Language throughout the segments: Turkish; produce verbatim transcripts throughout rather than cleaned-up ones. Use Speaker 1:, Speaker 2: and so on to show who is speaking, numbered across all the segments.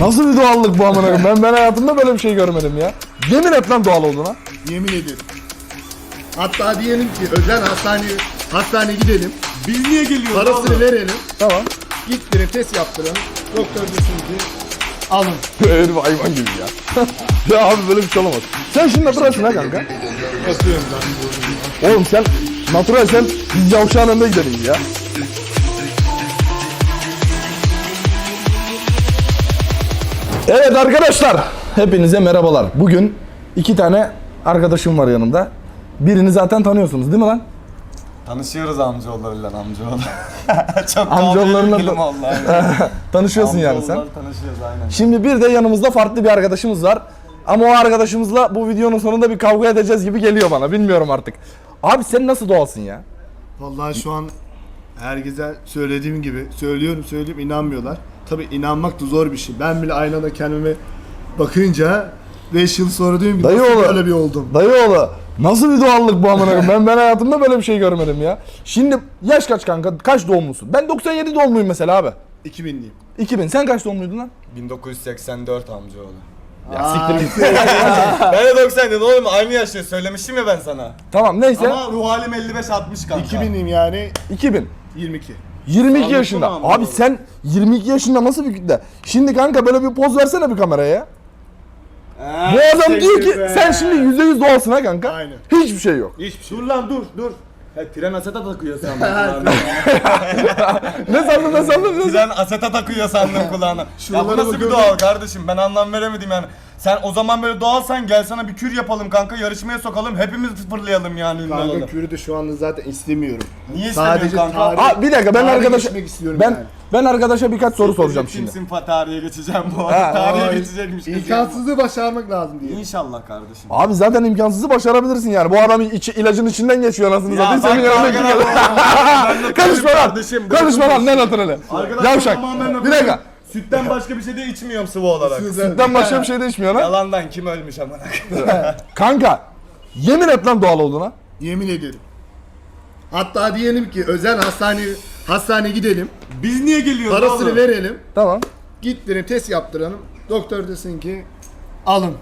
Speaker 1: Nasıl bir doğallık bu amına koyayım? Ben ben hayatımda böyle bir şey görmedim ya. Yemin et lan doğal olduğuna.
Speaker 2: Yemin ederim. Hatta diyelim ki özel hastaneye hastaneye gidelim.
Speaker 3: Biz niye geliyoruz?
Speaker 2: Parasını verelim.
Speaker 1: Tamam.
Speaker 2: Gittirin test yaptıralım. Doktor desin ki alın.
Speaker 1: Herif hayvan gibi ya. Ya abi böyle bir şey olamaz. Sen şimdi naturalsin ha kanka.
Speaker 2: Basıyorum ben.
Speaker 1: Oğlum sen natural sen biz yavşağın önünde gidelim ya. Evet arkadaşlar, hepinize merhabalar. Bugün iki tane arkadaşım var yanımda. Birini zaten tanıyorsunuz değil mi lan?
Speaker 3: Tanışıyoruz amcaoğullarıyla amcaoğlu. Çok
Speaker 1: Amcaoğullarına
Speaker 3: film
Speaker 1: da-
Speaker 3: oldu aynen.
Speaker 1: Tanışıyorsun yani sen.
Speaker 3: Amcaoğullar tanışıyoruz aynen.
Speaker 1: Şimdi bir de yanımızda farklı bir arkadaşımız var. Ama o arkadaşımızla bu videonun sonunda bir kavga edeceğiz gibi geliyor bana. Bilmiyorum artık. Abi sen nasıl doğalsın ya?
Speaker 2: Vallahi şu an herkese söylediğim gibi söylüyorum söyleyip inanmıyorlar. Tabii inanmak da zor bir şey. Ben bile aynada kendime bakınca beş yıl sonra diyorum ki
Speaker 1: Dayı
Speaker 2: nasıl
Speaker 1: oğlu.
Speaker 2: böyle bir oldum.
Speaker 1: Dayıoğlu nasıl bir doğallık bu amına koyayım? Ben ben hayatımda böyle bir şey görmedim ya. Şimdi yaş kaç kanka? Kaç doğumlusun? Ben doksan yedi doğumluyum mesela abi.
Speaker 2: iki binliyim.
Speaker 1: iki bin. Sen kaç doğumluydun lan?
Speaker 3: bin dokuz yüz seksen dört amcaoğlu.
Speaker 1: Ya siktir git.
Speaker 3: Ben de doksan dedim oğlum aynı yaşta söylemiştim ya ben sana.
Speaker 1: Tamam neyse.
Speaker 3: Ama ruh halim elli beş altmış kanka.
Speaker 2: iki binliyim yani
Speaker 1: iki bin.
Speaker 2: yirmi iki.
Speaker 1: yirmi iki
Speaker 3: Sağlıklı
Speaker 1: yaşında.
Speaker 3: mı ama
Speaker 1: Abi
Speaker 3: bu?
Speaker 1: sen yirmi iki yaşında nasıl bir kütle? Şimdi kanka böyle bir poz versene bir kameraya ya. Bu adam diyor ki sen şimdi yüzde yüz doğalsın ha kanka.
Speaker 2: Aynen.
Speaker 1: Hiçbir şey yok.
Speaker 2: Hiçbir şey.
Speaker 3: Dur lan dur dur. He, tren aseta takıyor sandım.
Speaker 1: Ne sandın ne sandın ne sandın?
Speaker 3: Tren aseta takıyor sandım kulağına. Ya bu
Speaker 2: Şuralara
Speaker 3: nasıl bir
Speaker 2: bakıyorum.
Speaker 3: doğal kardeşim ben anlam veremedim yani. Sen o zaman böyle doğalsan gel sana bir kür yapalım kanka yarışmaya sokalım hepimiz fırlayalım yani ünlü
Speaker 2: Kanka
Speaker 3: olalım.
Speaker 2: kürü de şu anda zaten istemiyorum.
Speaker 3: Niye
Speaker 2: Sadece
Speaker 3: istemiyorsun kanka?
Speaker 2: tarih-
Speaker 1: Aa, bir dakika ben
Speaker 2: tarihe
Speaker 1: arkadaşa
Speaker 2: geçmek istiyorum
Speaker 1: ben
Speaker 2: yani.
Speaker 1: ben arkadaşa birkaç soru soracağım şimdi.
Speaker 3: Kimsin fa tarihe geçeceğim bu
Speaker 1: Ha,
Speaker 3: arada. Tarihe
Speaker 2: Ay,
Speaker 3: geçecekmiş. kız.
Speaker 2: İmkansızlığı başarmak lazım diye.
Speaker 3: İnşallah kardeşim.
Speaker 1: Abi zaten imkansızı başarabilirsin yani. Bu adam içi, ilacın içinden geçiyor anasını
Speaker 3: Ya
Speaker 1: satayım.
Speaker 3: bak
Speaker 1: Senin yanına
Speaker 3: kanka,
Speaker 1: kim
Speaker 3: ben de
Speaker 1: Konuşma lan.
Speaker 3: kardeşim,
Speaker 1: Konuşma lan ne naturali.
Speaker 3: Arkadaşlar
Speaker 1: Yavşak.
Speaker 3: tamamen
Speaker 1: Bir dakika.
Speaker 3: Sütten başka bir şey de içmiyorum sıvı olarak.
Speaker 1: Sütten başka bir şey de içmiyor lan.
Speaker 3: Yalandan kim ölmüş amına koyayım.
Speaker 1: Kanka yemin et lan doğal olduğuna.
Speaker 2: Yemin ederim. Hatta diyelim ki özel hastane hastaneye gidelim.
Speaker 3: Biz niye geliyoruz
Speaker 2: Parasını
Speaker 3: oğlum?
Speaker 2: verelim.
Speaker 1: Tamam.
Speaker 2: Gittirin test yaptıralım. Doktor desin ki alın.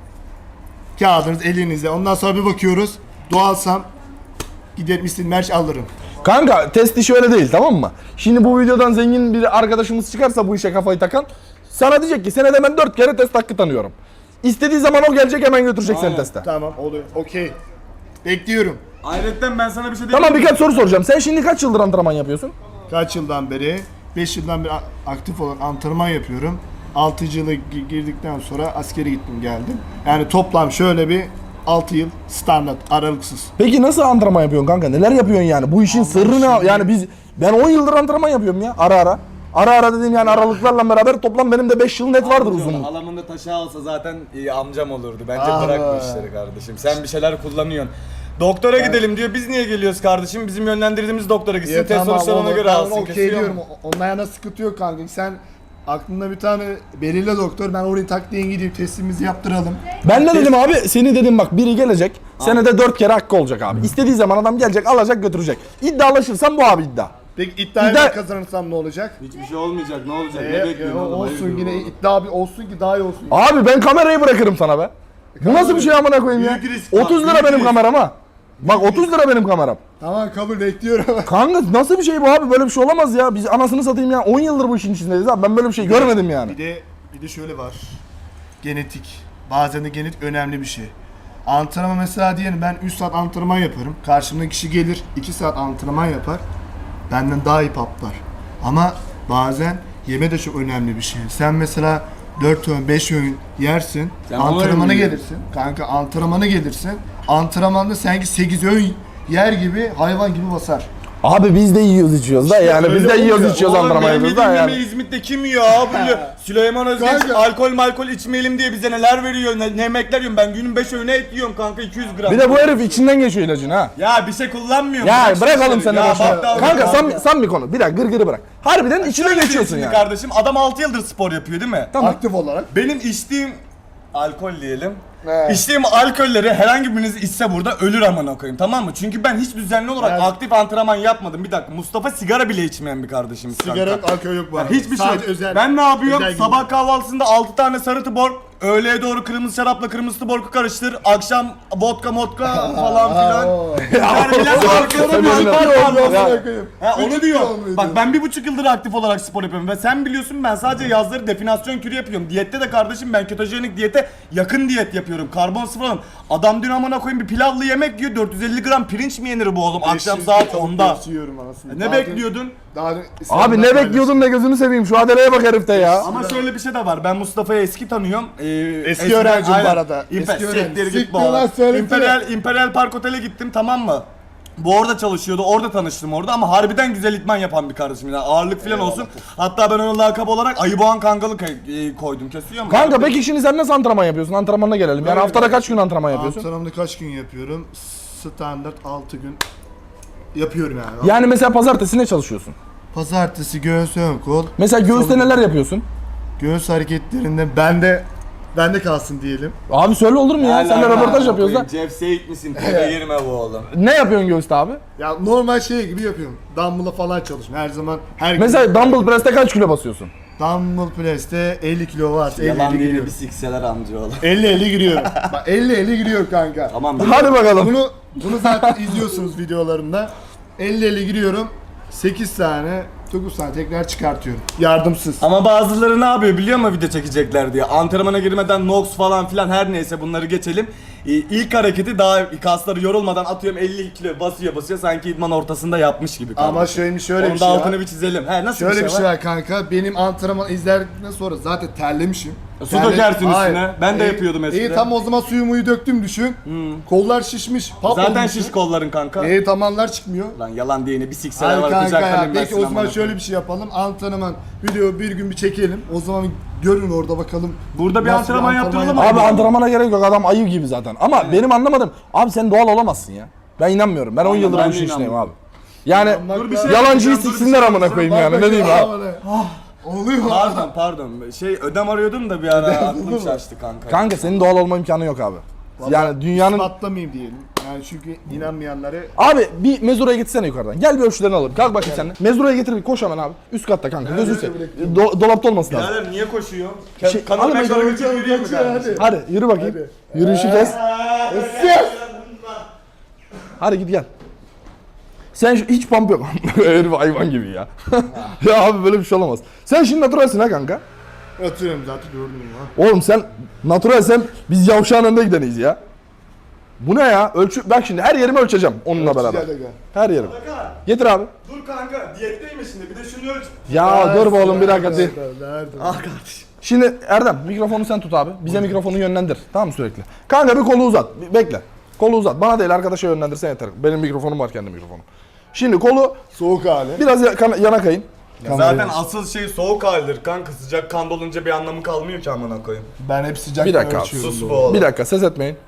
Speaker 2: Kağıdınız elinizde. Ondan sonra bir bakıyoruz. Doğalsam giderim istediğim her şeyi alırım.
Speaker 1: Kanka test işi öyle değil tamam mı? Şimdi bu videodan zengin bir arkadaşımız çıkarsa bu işe kafayı takan sana diyecek ki senede ben dört kere test hakkı tanıyorum. İstediği zaman o gelecek hemen götürecek seni
Speaker 3: Aynen.
Speaker 1: teste.
Speaker 2: Tamam oluyor. Okey. Bekliyorum.
Speaker 3: Ayrıca ben sana bir şey diyeyim.
Speaker 1: Tamam birkaç soru soracağım. Sen şimdi kaç yıldır antrenman yapıyorsun?
Speaker 2: Kaç yıldan beri? beş yıldan beri a- aktif olarak antrenman yapıyorum. altıncı yıla gi- girdikten sonra askere gittim geldim. Yani toplam şöyle bir altı yıl standart aralıksız.
Speaker 1: Peki nasıl antrenman yapıyorsun kanka? Neler yapıyorsun yani? Bu işin sırrı ne? Yani biz ben on yıldır antrenman yapıyorum ya ara ara. Ara ara dediğim yani aralıklarla beraber toplam benim de beş yıl net vardır uzunluğu.
Speaker 3: Halamın da taşı alsa zaten iyi amcam olurdu. Bence
Speaker 2: Ah
Speaker 3: bırak
Speaker 2: be.
Speaker 3: bu işleri kardeşim. Sen bir şeyler kullanıyorsun. Doktora gidelim diyor. Biz niye geliyoruz kardeşim? Bizim yönlendirdiğimiz doktora gitsin.
Speaker 2: Ya
Speaker 3: test sonuçları ona
Speaker 2: onu-
Speaker 3: göre
Speaker 2: ben
Speaker 3: alsın.
Speaker 2: onu okey
Speaker 3: kesiyor
Speaker 2: diyorum.
Speaker 3: mu?
Speaker 2: O- Onun ayağına sıkıntı yok kanka. Sen aklında bir tane belirle doktor. Ben oraya tak diye gideyim testimizi yaptıralım.
Speaker 1: Ben ne dedim abi? Seni dedim bak biri gelecek. Senede dört kere hakkı olacak abi. İstediği zaman adam gelecek alacak götürecek. İddialaşırsan bu abi iddia.
Speaker 2: Peki iddiayı
Speaker 1: İddia-
Speaker 2: ben kazanırsam ne olacak?
Speaker 3: Hiçbir şey olmayacak. Ne olacak?
Speaker 2: Ee,
Speaker 3: ne
Speaker 2: e,
Speaker 3: bekliyorsun oğlum?
Speaker 2: olsun
Speaker 3: Hayırdır
Speaker 2: yine
Speaker 3: oğlum?
Speaker 2: iddia bir olsun ki daha iyi olsun.
Speaker 1: Abi ben kamerayı bırakırım sana be. Bu nasıl bir şey amına koyayım ya?
Speaker 3: Büyük risk,
Speaker 1: otuz lira
Speaker 3: büyük
Speaker 1: benim
Speaker 3: risk.
Speaker 1: kameram ha. Bak otuz lira benim kameram.
Speaker 2: Tamam kabul bekliyorum.
Speaker 1: Kanka nasıl bir şey bu abi? Böyle bir şey olamaz ya. Biz anasını satayım ya. on yıldır bu işin içindeyiz abi. Ben böyle bir şey görmedim yani.
Speaker 2: Bir de bir de şöyle var. Genetik. Bazen de genetik önemli bir şey. Antrenman mesela diyelim ben üç saat antrenman yaparım. Karşımda kişi gelir iki saat antrenman yapar. Benden daha iyi patlar. Ama bazen yeme de çok önemli bir şey. Sen mesela dört öğün beş öğün yersin.
Speaker 3: Sen
Speaker 2: antrenmana
Speaker 3: onları mı
Speaker 2: gelirsin. Kanka antrenmana gelirsin. Antrenmanda sanki sekiz öğün yer gibi hayvan gibi basar.
Speaker 1: Abi biz de yiyoruz içiyoruz da yani. Biz
Speaker 2: öyle
Speaker 1: de yiyoruz
Speaker 2: oluyor.
Speaker 1: içiyoruz
Speaker 3: Oğlum
Speaker 1: antrenman
Speaker 3: benim
Speaker 1: yapıyoruz da
Speaker 3: yediğim
Speaker 1: yani.
Speaker 3: yemeği İzmit'te kim yiyor abi? Süleyman Özgeç
Speaker 2: Kanka.
Speaker 3: alkol malkol içmeyelim diye bize neler veriyor, ne, ne yemekler yiyorum. Ben günün beş öğüne et yiyorum kanka iki yüz gram.
Speaker 1: Bir de bu herif içinden geçiyor ilacını ha.
Speaker 3: Ya bir şey kullanmıyorum.
Speaker 1: Ya
Speaker 3: şu
Speaker 1: bırak oğlum
Speaker 3: işleri.
Speaker 1: sen de
Speaker 3: Ya
Speaker 1: boşuna.
Speaker 3: bak da-
Speaker 1: Kanka
Speaker 3: bak
Speaker 1: sam,
Speaker 3: da-
Speaker 1: sam bir konu. Bir dakika gırgırı bırak. Harbiden içine
Speaker 3: Şöyle
Speaker 1: geçiyorsun
Speaker 3: şimdi
Speaker 1: yani.
Speaker 3: kardeşim adam altı yıldır spor yapıyor değil mi?
Speaker 1: Tamam.
Speaker 2: Aktif olarak.
Speaker 3: Benim içtiğim alkol diyelim.
Speaker 2: He.
Speaker 3: İçtiğim alkolleri herhangi biriniz içse burada ölür amına koyayım, tamam mı? Çünkü ben hiç düzenli olarak
Speaker 2: Evet.
Speaker 3: aktif antrenman yapmadım. Bir dakika, Mustafa sigara bile içmeyen bir kardeşimiz.
Speaker 2: Sigara
Speaker 3: kanka.
Speaker 2: yok, alkol yok bu arada.
Speaker 3: Hiçbir şey yok.
Speaker 2: Sadece özel.
Speaker 3: Ben ne yapıyorum?
Speaker 2: özel
Speaker 3: Sabah
Speaker 2: gibi.
Speaker 3: kahvaltısında altı tane sarı tuborg, öğleye doğru kırmızı şarapla kırmızı tuborgu karıştır. Akşam vodka modka falan filan.
Speaker 2: oo.
Speaker 3: Yani bilen arkadaşlarım
Speaker 1: Sen
Speaker 3: var,
Speaker 1: öyle-
Speaker 3: var, var, var.
Speaker 2: Ya. koyayım.
Speaker 3: Ha, onu
Speaker 2: Üç
Speaker 3: diyor.
Speaker 2: kilo muydu?
Speaker 3: Bak ben bir buçuk yıldır aktif olarak spor yapıyorum ve sen biliyorsun ben sadece yazları definasyon kürü yapıyorum. Diyette de kardeşim ben ketojenik diyete yakın diyet yapıyorum. Karbon sıfır alıyorum. Adam dün amına koyayım bir pilavlı yemek yiyor. dört yüz elli gram pirinç mi yenir bu oğlum akşam
Speaker 2: Beş yüz
Speaker 3: saat
Speaker 2: tavuk
Speaker 3: onda?
Speaker 2: göğsü yiyorum anasını.
Speaker 3: Ne
Speaker 2: Daha
Speaker 3: bekliyordun?
Speaker 2: dün- Daha dün
Speaker 1: Abi
Speaker 2: İslam'dan
Speaker 1: ne
Speaker 2: paylaştım.
Speaker 1: bekliyordun da gözünü seveyim şu adeleye bak herifte ya.
Speaker 3: Ama şöyle bir şey de var. Ben Mustafa'yı eski tanıyorum. Ee,
Speaker 2: Eski
Speaker 3: eskiden-
Speaker 2: öğrencim bu
Speaker 3: aynen.
Speaker 2: arada.
Speaker 3: İmpe-
Speaker 2: Eski öğrenci.
Speaker 3: siktir git
Speaker 2: Siktir
Speaker 3: bu
Speaker 2: lan,
Speaker 3: arada.
Speaker 2: söylesene.
Speaker 3: İmperial, İmperial Park Otel'e gittim, tamam mı? Bu orada çalışıyordu. Orada tanıştım orada ama harbiden güzel idman yapan bir kardeşim. Yani ağırlık falan olsun. Hatta ben ona lakap olarak Ayıboğan Kangalı kay- e, koydum. Kesiyor mu?
Speaker 1: Kanka peki şimdi sen nasıl antrenman yapıyorsun? Antrenmanına gelelim. Yani haftada kaç gün antrenman yapıyorsun?
Speaker 2: Antrenmanı kaç gün yapıyorum? Standart altı gün yapıyorum yani.
Speaker 1: Yani mesela pazartesi ne çalışıyorsun?
Speaker 2: Pazartesi göğüs ön kol.
Speaker 1: Mesela göğüste
Speaker 2: Salı-
Speaker 1: neler yapıyorsun?
Speaker 2: Göğüs hareketlerinde bende bende kalsın diyelim.
Speaker 1: Abi söyle olur mu ya? Sen de röportaj yapıyoruz da.
Speaker 3: Jeff Seyit misin? Tebe girme bu oğlum.
Speaker 1: Ne yapıyorsun göğüste abi?
Speaker 2: Ya normal şey gibi yapıyorum. Dumbbell'a falan çalışıyorum. Her zaman her gün.
Speaker 1: Mesela dumbbell press'te kaç kilo basıyorsun?
Speaker 2: Dumbbell press'te elli kilo var. elli
Speaker 3: Yalan
Speaker 2: elli
Speaker 3: değil
Speaker 2: giriyor.
Speaker 3: bir sikseler amca oğlum.
Speaker 2: elli elli giriyor. Bak elli elli giriyor kanka.
Speaker 3: Tamam.
Speaker 1: Hadi bakalım.
Speaker 2: Bunu bunu zaten izliyorsunuz videolarımda. elli elli giriyorum. sekiz tane, dokuz tane tekrar çıkartıyorum. Yardımsız.
Speaker 3: Ama bazıları ne yapıyor biliyor musun video çekecekler diye. Antrenmana girmeden Nox falan filan her neyse bunları geçelim. Ee, İlk hareketi daha kasları yorulmadan atıyorum elli kilo basıyor basıyor sanki idman ortasında yapmış gibi.
Speaker 2: Ama
Speaker 3: kardeşim.
Speaker 2: şöyle şöyle
Speaker 3: Onun
Speaker 2: bir
Speaker 3: da
Speaker 2: şey
Speaker 3: altını
Speaker 2: var.
Speaker 3: bir çizelim. He nasıl
Speaker 2: Şöyle
Speaker 3: bir şey, var?
Speaker 2: var kanka. Benim antrenman izledikten sonra zaten terlemişim.
Speaker 3: Su dökersin
Speaker 2: Hayır.
Speaker 3: üstüne. Ben de
Speaker 2: İyi-
Speaker 3: yapıyordum eskiden.
Speaker 2: İyi tam o zaman suyumuyu döktüm düşün. Kollar şişmiş. Pap
Speaker 3: Zaten
Speaker 2: olmuşum.
Speaker 3: şiş kolların kanka.
Speaker 2: İyi tamanlar çıkmıyor.
Speaker 3: Lan yalan diyene bir sikseler
Speaker 2: Hayır
Speaker 3: var
Speaker 2: kanka
Speaker 3: bıçak
Speaker 2: ya.
Speaker 3: kalem
Speaker 2: Peki
Speaker 3: versin
Speaker 2: o zaman
Speaker 3: amına
Speaker 2: şöyle
Speaker 3: koyayım.
Speaker 2: bir şey yapalım. Antrenman video bir gün bir çekelim. O zaman görün orada bakalım.
Speaker 3: Burada bir
Speaker 2: Nasıl
Speaker 3: antrenman yaptıralım
Speaker 1: Abi
Speaker 3: Aynen.
Speaker 1: antrenmana gerek yok adam ayı gibi zaten. Ama benim anlamadım. Abi sen doğal olamazsın ya. Ben inanmıyorum. Ben on
Speaker 3: Aynen,
Speaker 1: yıldır
Speaker 3: ben
Speaker 1: bu
Speaker 3: de
Speaker 1: işin içindeyim abi.
Speaker 3: inanmıyorum.
Speaker 1: Yani
Speaker 2: Dur bir şey
Speaker 1: yalancıyı
Speaker 3: yapacağım, dur bir
Speaker 1: siksinler
Speaker 3: şey
Speaker 1: amına koyayım yani. Ne diyeyim abi?
Speaker 2: Oluyor.
Speaker 3: Pardon pardon. Şey ödem arıyordum da bir ara aklım şaştı kanka.
Speaker 1: Kanka senin doğal olma imkanı yok abi. Yani dünyanın...
Speaker 2: Patlamayayım diyelim. Yani çünkü inanmayanları
Speaker 1: Abi bir mezuraya getirsene yukarıdan. Gel bir ölçülerini alalım. Kalk bakayım sen de. Mezuraya getir bir koş hemen abi. Üst katta kanka. Gözünü seveyim. Do- dolapta olması lazım.
Speaker 3: Birader niye koşuyor?
Speaker 1: Şey,
Speaker 3: Kanal
Speaker 1: alın
Speaker 3: meşgul
Speaker 2: bakalım,
Speaker 3: için yürüyor mu
Speaker 2: kaçıyor,
Speaker 3: kardeşim?
Speaker 1: Hadi yürü bakayım. Yürüyüşü kes. Hadi git gel. Sen şu, hiç pump yok. Herif hayvan gibi ya. Ya abi böyle bir şey olamaz. Sen şimdi naturalsin ha kanka.
Speaker 2: atıyorum zaten gördüm ya.
Speaker 1: Oğlum sen naturalsen biz yavşağın önünde gideniyiz ya. Bu ne ya? Ölçü bak şimdi her yerimi ölçeceğim onunla beraber.
Speaker 2: Gel, gel.
Speaker 1: Her yerim.
Speaker 3: Kanka,
Speaker 1: Getir abi.
Speaker 3: dur kanka diyetteyim şimdi bir de şunu ölç.
Speaker 1: Ya dur be oğlum bir dakika.
Speaker 2: Nerede,
Speaker 1: dur.
Speaker 2: nerede?
Speaker 3: Ah kardeşim.
Speaker 1: Şimdi Erdem mikrofonu sen tut abi. Bize mikrofonu yönlendir. Tamam mı sürekli? Kanka bir kolu uzat. Bir bekle. Kolu uzat. Bana değil arkadaşa yönlendirsen yeter. Benim mikrofonum var kendi mikrofonum. Şimdi kolu
Speaker 2: Soğuk hali.
Speaker 1: biraz ya- kan- yana kayın.
Speaker 3: Zaten asıl şey soğuk halidir kanka, sıcak kan dolunca bir anlamı kalmıyor ki amına koyayım.
Speaker 2: Ben hep sıcak
Speaker 1: Bir dakika abi,
Speaker 2: ölçüyorum.
Speaker 3: Sus
Speaker 2: doğru.
Speaker 3: bu oğlum.
Speaker 1: Bir dakika ses etmeyin.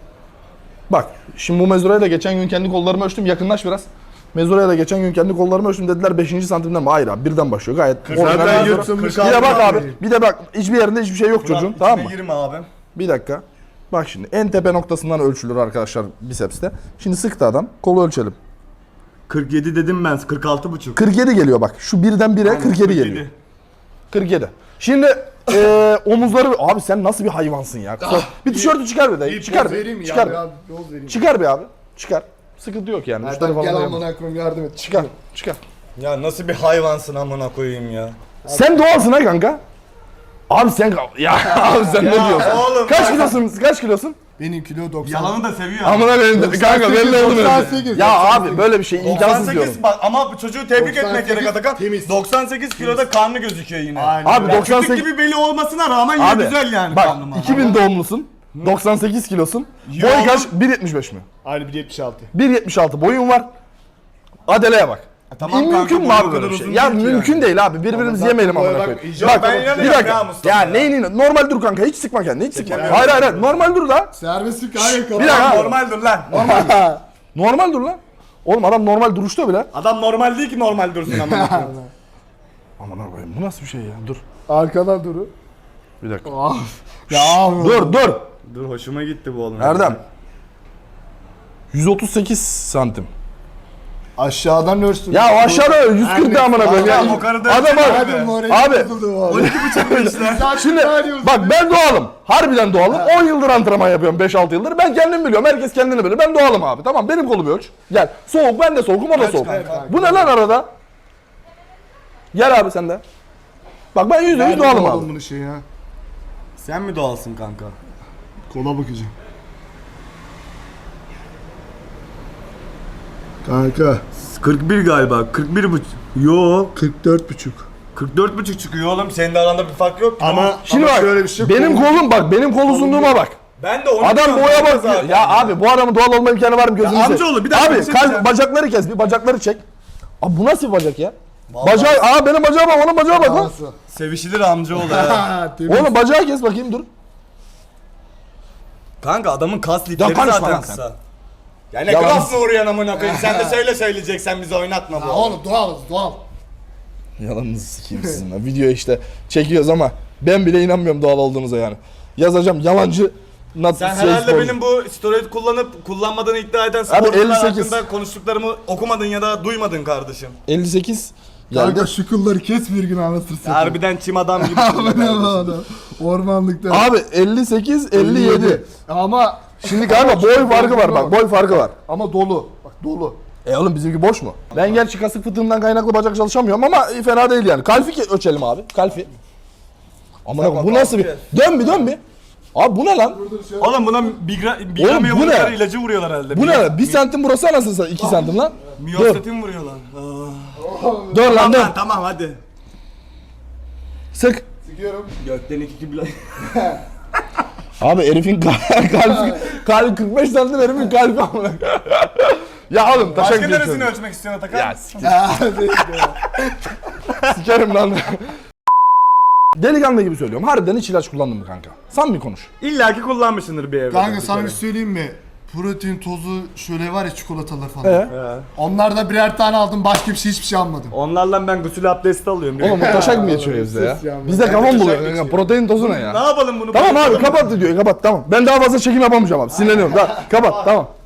Speaker 1: Bak şimdi bu mezuraya da geçen gün kendi kollarımı ölçtüm. Yakınlaş biraz. Mezuraya da geçen gün kendi kollarımı ölçtüm dediler beşinci santimden mi? Hayır abi birden başlıyor gayet.
Speaker 2: Zaten
Speaker 1: orijinal.
Speaker 2: yırtılmış.
Speaker 1: Bir de bak abi. Bir de bak hiçbir yerinde hiçbir şey yok çocuğun.
Speaker 3: Ulan
Speaker 1: Tamam mı?
Speaker 3: içine girme abi.
Speaker 1: Bir dakika. Bak şimdi en tepe noktasından ölçülür arkadaşlar bisepste. Şimdi sıktı adam. Kolu ölçelim.
Speaker 3: kırk yedi dedim ben, kırk altı buçuk.
Speaker 1: kırk yedi geliyor bak. Şu birden bire kırk yedi geliyor. kırk yedi. Şimdi eee omuzları... Abi sen nasıl bir hayvansın ya? Bir tişörtü çıkar bir de.
Speaker 2: Bir
Speaker 1: Çıkar
Speaker 2: poz
Speaker 1: bir.
Speaker 2: vereyim mi?
Speaker 1: Çıkar
Speaker 2: Ya,
Speaker 1: bir.
Speaker 2: ya, poz vereyim.
Speaker 1: Çıkar bir abi. Çıkar. Sıkıntı yok yani. Müşteri
Speaker 2: Erdem
Speaker 1: falan
Speaker 2: gel
Speaker 1: da yapmaz.
Speaker 2: amına koyayım yardım et.
Speaker 1: Çıkar. Çıkar.
Speaker 3: Ya nasıl bir hayvansın amına koyayım ya.
Speaker 1: Sen doğalsın ha kanka. Abi sen... Ya abi sen ne diyorsun?
Speaker 3: oğlum
Speaker 1: Kaç
Speaker 3: bak-
Speaker 1: kilosun? Kaç kilosun?
Speaker 2: Benim kilo doksan.
Speaker 3: Yalanı da seviyor.
Speaker 1: Amına benim kanka belli oldu
Speaker 2: doksan sekiz,
Speaker 1: benim. Ya
Speaker 2: doksan
Speaker 1: abi
Speaker 2: sekiz.
Speaker 1: böyle bir şey imkansız diyorum.
Speaker 3: doksan sekiz bak ama bu çocuğu tebrik
Speaker 2: doksan
Speaker 3: etmek gerek
Speaker 2: sekiz
Speaker 3: Atakan.
Speaker 2: temiz.
Speaker 3: doksan sekiz kiloda karnı gözüküyor yine.
Speaker 2: Aynen.
Speaker 1: Abi
Speaker 3: Ya
Speaker 1: doksan sekiz...
Speaker 3: küçük gibi belli olmasına rağmen yine
Speaker 1: Abi
Speaker 3: güzel yani
Speaker 1: bak
Speaker 3: karnım.
Speaker 1: iki bin doğumlusun. doksan sekiz kilosun.
Speaker 3: Ya
Speaker 1: Boy
Speaker 3: oğlum.
Speaker 1: kaç? bir yetmiş beş mi?
Speaker 2: Aynı bir yetmiş altı.
Speaker 1: bir yetmiş altı boyun var. Adeleye bak.
Speaker 3: tamam
Speaker 1: mümkün
Speaker 3: kanka,
Speaker 1: mü
Speaker 3: bu
Speaker 1: abi
Speaker 3: kadar
Speaker 1: böyle bir şey?
Speaker 3: uzun
Speaker 1: Ya
Speaker 3: değil ki
Speaker 1: mümkün
Speaker 3: yani.
Speaker 1: değil abi. Birbirimizi
Speaker 2: Ama
Speaker 1: yemeyelim
Speaker 2: zaten
Speaker 1: amına
Speaker 2: boya
Speaker 1: koyayım.
Speaker 2: bak, icap
Speaker 3: ben
Speaker 1: bir
Speaker 3: inanıyorum
Speaker 1: dakika.
Speaker 3: ya Mustafa
Speaker 1: Ya
Speaker 3: ya.
Speaker 1: neyin? Normal dur kanka. Hiç sıkma kendini. Hiç sıkma.
Speaker 3: Çekemiyorum.
Speaker 1: Hayır hayır hayır. Normal dur da.
Speaker 2: Serbestlik hayır
Speaker 1: Bir dakika.
Speaker 3: Tamam, normal dur lan.
Speaker 1: Normal dur lan. Oğlum adam normal duruşta bile.
Speaker 3: Adam normal değil ki normal dursun amına koyayım.
Speaker 1: Aman koyayım bu nasıl bir şey ya? Dur.
Speaker 2: Arkadan duru.
Speaker 1: Bir dakika.
Speaker 2: Ya abi.
Speaker 1: Dur dur.
Speaker 3: Dur hoşuma gitti bu oğlum.
Speaker 1: Erdem. yüz otuz sekiz santim.
Speaker 2: Aşağıdan ölçtüm.
Speaker 1: Ya aşağıda yüz kırk da amına koyayım ya.
Speaker 3: Tamam, o kadar da
Speaker 1: Adam
Speaker 3: ölçemem
Speaker 1: abi.
Speaker 3: be.
Speaker 2: Morali
Speaker 1: Abi.
Speaker 2: bozuldu bu arada.
Speaker 3: on iki buçuk işte.
Speaker 1: Şimdi bak ben doğalım. Harbiden doğalım. on yıldır antrenman yapıyorum. beş altı yıldır. Ben kendim biliyorum. Herkes kendini bilir. Ben doğalım abi. Tamam benim kolumu ölç. Gel. Soğuk ben de soğukum o da soğuk.
Speaker 3: kanka?
Speaker 1: Bu ne lan arada? Gel abi sen de. Bak ben yüzde yüz doğalım abi.
Speaker 2: Bunu şey ya.
Speaker 3: Sen mi doğalsın kanka?
Speaker 2: Kola bakacağım. Kanka
Speaker 3: kırk bir galiba. kırk bir buçuk. Yo.
Speaker 2: kırk dört buçuk.
Speaker 3: kırk dört buçuk çıkıyor oğlum. Senin de aranda bir fark yok ki.
Speaker 2: Ama
Speaker 1: Şimdi
Speaker 2: ama
Speaker 1: bak
Speaker 2: şöyle bir şey
Speaker 1: benim
Speaker 2: kolum-
Speaker 1: kolum bak benim kol uzunluğuma bak.
Speaker 3: Ben de onu
Speaker 1: Adam
Speaker 3: diyorum
Speaker 1: boya
Speaker 3: kanka
Speaker 1: bak.
Speaker 3: zaten.
Speaker 1: Ya abi bu adamın doğal olma imkanı var mı gözünü
Speaker 3: Ya
Speaker 1: seveyim.
Speaker 3: amcaoğlu, bir dakika
Speaker 1: Abi
Speaker 3: bir şey
Speaker 1: kalp
Speaker 3: diyeceğim.
Speaker 1: bacakları kes bir bacakları çek. Abi bu nasıl bir bacak ya?
Speaker 3: Vallahi-
Speaker 1: Bacağı aa benim bacağıma bak onun bacağı bak lan.
Speaker 2: Nasıl?
Speaker 3: Sevişilir amcaoğlu ya.
Speaker 2: Ha, temiz.
Speaker 1: Oğlum bacağı kes bakayım dur.
Speaker 3: Kanka adamın kas lifleri
Speaker 1: konuşma lan
Speaker 3: zaten
Speaker 1: sen.
Speaker 3: kısa. Ya ne
Speaker 1: Yalan.
Speaker 3: klasla uğrayan amına koyayım. Sen de söyle söyleyeceksen bizi oynatma bu.
Speaker 2: Ha, oğlum doğalız doğal.
Speaker 1: Yalanınızı sikeyim sizinle. Video işte çekiyoruz ama ben bile inanmıyorum doğal olduğunuza yani. Yazacağım yalancı not
Speaker 3: Sen
Speaker 1: şey
Speaker 3: herhalde
Speaker 1: sporcu.
Speaker 3: benim bu steroid kullanıp kullanmadığını iddia eden
Speaker 1: Abi
Speaker 3: sporcular
Speaker 1: elli sekiz.
Speaker 3: hakkında konuştuklarımı okumadın ya da duymadın kardeşim.
Speaker 1: elli sekiz geldi.
Speaker 2: Kanka şu kılları kes bir gün anlatırsın.
Speaker 3: Harbiden çim adam gibi.
Speaker 2: Bu ne bu adam? Ormanlıkta.
Speaker 1: Abi elli sekiz elli yedi.
Speaker 2: Ama
Speaker 1: Şimdi kanka boy farkı var bak boy farkı var.
Speaker 2: ama dolu. Bak dolu.
Speaker 1: E oğlum bizimki boş mu? Ben gerçi kasık fıtığımdan kaynaklı bacak çalışamıyorum ama fena değil yani. Kalfi ke- ölçelim abi. Kalfi. Amına koyayım bu nasıl bir... Dön bir dön bir. Abi bu ne lan?
Speaker 3: Oğlum buna bigra,
Speaker 1: Oğlum,
Speaker 3: bigramya
Speaker 1: bu ne?
Speaker 3: vururlar, ilacı vuruyorlar herhalde.
Speaker 1: Bu ne? Bir santim burası anasını satayım. iki santim lan. Dur.
Speaker 3: Miyostatin vuruyorlar. Aa.
Speaker 1: Dön lan
Speaker 3: Tamam
Speaker 1: dön.
Speaker 3: lan tamam hadi.
Speaker 1: Sık.
Speaker 2: Sıkıyorum.
Speaker 3: Gökten iki kibla.
Speaker 1: Abi herifin kal- kalbi, kalbi kırk beş santim herifin kalbi amına. Ya oğlum taşak
Speaker 3: Başka neresini
Speaker 1: geçiyorum.
Speaker 3: ölçmek istiyorsun Atakan?
Speaker 1: Ya sikerim,
Speaker 2: Ya değil
Speaker 1: sikerim lan. Delikanlı gibi söylüyorum. Harbiden hiç ilaç kullandın mı kanka? Sen mi konuş?
Speaker 3: İlla ki kullanmışsındır bir evde.
Speaker 2: Kanka sana bir söyleyeyim mi? Protein tozu şöyle var ya çikolatalar falan.
Speaker 1: Ee?
Speaker 3: He.
Speaker 2: Onlarda birer tane aldım başka bir şey hiçbir şey almadım.
Speaker 3: Onlarla ben gusül abdesti alıyorum.
Speaker 1: Oğlum bu taşak mı geçiyor bizde ya?
Speaker 2: sus ya.
Speaker 1: Bizde
Speaker 2: Ben
Speaker 1: kafam
Speaker 3: taşak
Speaker 1: buluyor.
Speaker 3: geçiyor.
Speaker 1: kanka. Protein tozu ne ya?
Speaker 3: Ne yapalım bunu?
Speaker 1: Tamam abi
Speaker 3: Bırakalım mı?
Speaker 1: kapat diyor kapat tamam. Ben daha fazla çekim yapamayacağım abi. Sinirleniyorum. Daha, kapat tamam.